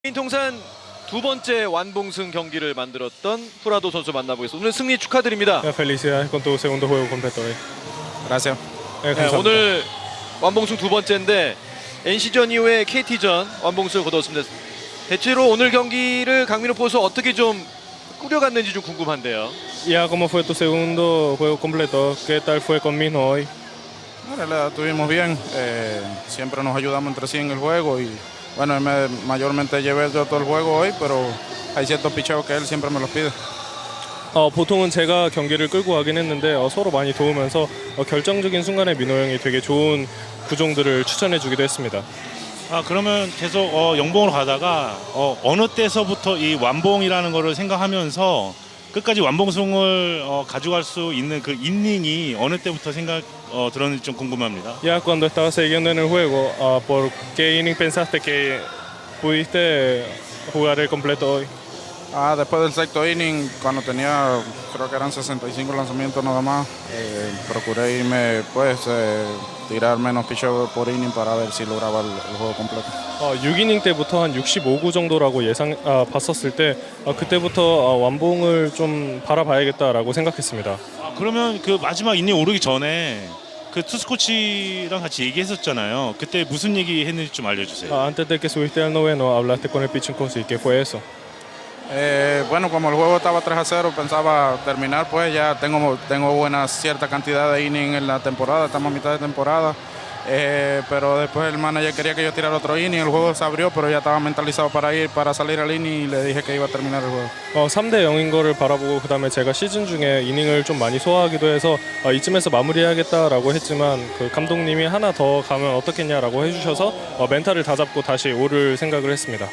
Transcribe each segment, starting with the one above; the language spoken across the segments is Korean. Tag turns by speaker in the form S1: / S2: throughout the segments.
S1: 통산 두 번째 완봉승 경기를 만들었던 후라도 선수 만나보겠습니다. 오늘 승리 축하드립니다.
S2: Felicidades con tu segundo juego completo hoy.
S3: Gracias.
S1: 네,
S2: 감사합니다.
S1: 오늘 완봉승 두 번째인데 NC전 이후에 KT전 완봉승을 거뒀습니다. 대체로 오늘 경기를 강민호 포수 어떻게 좀 꾸려갔는지 좀 궁금한데요.
S2: Ya, ¿cómo fue tu segundo juego completo? ¿Qué tal fue con Misno hoy?
S3: Bueno, la estuvimos bien. Siempre nos ayudamos entre sí en el juego y bueno, mayormente llevé yo todo el juego hoy, pero hay ciertos picheos que él siempre me los pide.
S2: 보통은 제가 경기를 끌고 가긴 했는데 서로 많이 도우면서 결정적인 순간에 민호 형이 되게 좋은 구종들을 추천해주기도 했습니다.
S4: 그러면 계속 영봉으로 가다가 어느 때서부터 이 완봉이라는 거를 생각하면서 끝까지 완봉승을 가져갈 수 있는 그 인닝이 어느 때부터 들었는지 좀 궁금합니다.
S2: Ya cuando estabas siguiendo en el juego, ¿por qué inning pensaste que pudiste jugar el completo hoy?
S3: Después del sexto inning, cuando tenía, creo que eran 65 lanzamientos nada más, procuré irme, tirar menos picheos por inning para ver si lograba el juego completo.
S2: 6이닝 때부터 한 65구 정도라고 봤었을 때 그때부터 완봉을 좀 바라봐야겠다라고 생각했습니다.
S4: 그러면 그 마지막 이닝 오르기 전에 그 투수 코치랑 같이 얘기했었잖아요. 그때 무슨 얘기 했는지 좀 알려주세요.
S2: Antes de que subiste al noveno, hablaste con el pitching coach y ¿qué fue eso?
S3: Bueno, como el juego estaba 3-0, pensaba terminar, pues ya tengo buena cierta cantidad de innings en la temporada, estamos a mitad de temporada. Pero después el manager quería que yo tirara otro inning, el juego se abrió, pero ya estaba mentalizado para salir al inning y le dije que iba a terminar el juego.
S2: 3대 0인 거를 바라보고 그다음에 제가 시즌 중에 이닝을 좀 많이 소화하기도 해서 이쯤에서 마무리해야겠다라고 했지만 그 감독님이 하나 더 가면 어떻겠냐라고 해주셔서 멘탈을 다잡고 다시 오를 생각을 했습니다.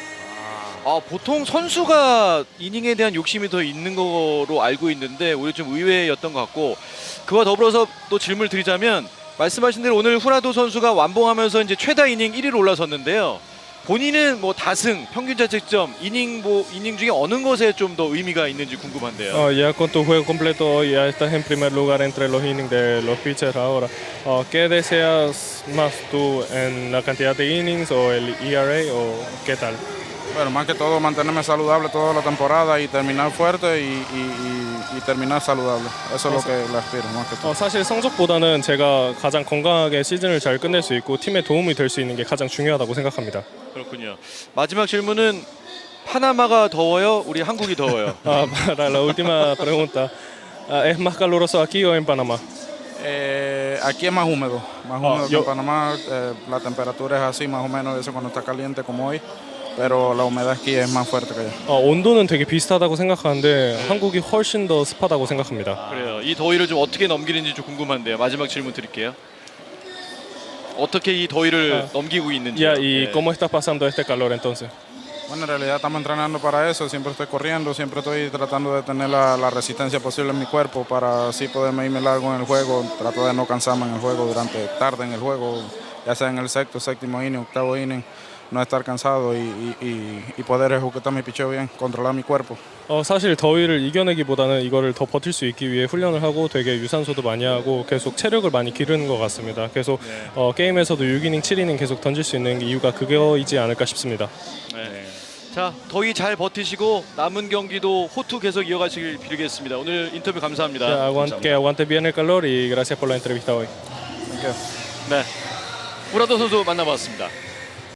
S1: 보통 선수가 이닝에 대한 욕심이 더 있는 거로 알고 있는데 오히려 좀 의외였던 것 같고, 그와 더불어서 또 질문을 드리자면 말씀하신 대로 오늘 후라도 선수가 완봉하면서 이제 최다 이닝 1위로 올라섰는데요. 본인은 뭐 다승, 평균 자책점, 이닝 중에 어느 것에 좀 더 의미가 있는지 궁금한데요.
S2: Ya con tu juego completo hoy ya estás en primer lugar entre los innings de los pitchers ahora. ¿Qué deseas más tú en la cantidad de innings o el ERA o qué tal?
S3: Bueno, más que todo mantenerme saludable toda la temporada y terminar fuerte y terminar saludable. Eso es lo que le aspiro, más que todo.
S2: 사실 성적보다는 제가 가장 건강하게 시즌을 잘 끝낼 수 있고 팀에 도움이 될 수 있는 게 가장 중요하다고 생각합니다.
S1: 그렇군요. 마지막 질문은 파나마가 더워요? 우리 한국이 더워요?
S2: Para la última pregunta, ¿es más caluroso aquí o en Panamá?
S3: Aquí es más húmedo que en Panamá. La temperatura es así, más o menos, eso cuando está caliente como hoy. Pero la humedad aquí es más fuerte que allá.
S2: 온도는 되게 비슷하다고 생각하는데 한국이 훨씬 더 습하다고 생각합니다.
S1: 그래요. 이 더위를 좀 어떻게 넘기는지 좀 궁금한데요. 마지막 질문 드릴게요. 어떻게 이 더위를 넘기고 있는지.
S2: Ya, ¿y cómo estás pasando este calor entonces?
S3: Bueno, en realidad estamos entrenando para eso. Siempre estoy corriendo, siempre estoy tratando de tener la resistencia posible en mi cuerpo para así poderme irme largo en el juego. Trato de no cansarme en el juego tarde en el juego, ya sea en el sexto, séptimo inning, octavo inning. No estar cansado y poder ejecutar mi picheo bien, controlar mi cuerpo.
S2: 사실 더위를 이겨내기보다는 이거를 더 버틸 수 있기 위해 훈련을 하고 되게 유산소도 많이 하고 계속 체력을 많이 기르는 것 같습니다. 계속 게임에서도 6이닝, 7이닝 계속 던질 수 있는 이유가 그거이지 않을까 싶습니다.
S1: 네. 자, 더위 잘 버티시고 남은 경기도 호투 계속 이어가시길 빌겠습니다. 오늘 인터뷰 감사합니다.
S2: Que aguante bien el calor y gracias por la entrevista hoy.
S3: Thank you.
S1: 네, 후라도 선수 만나봤습니다.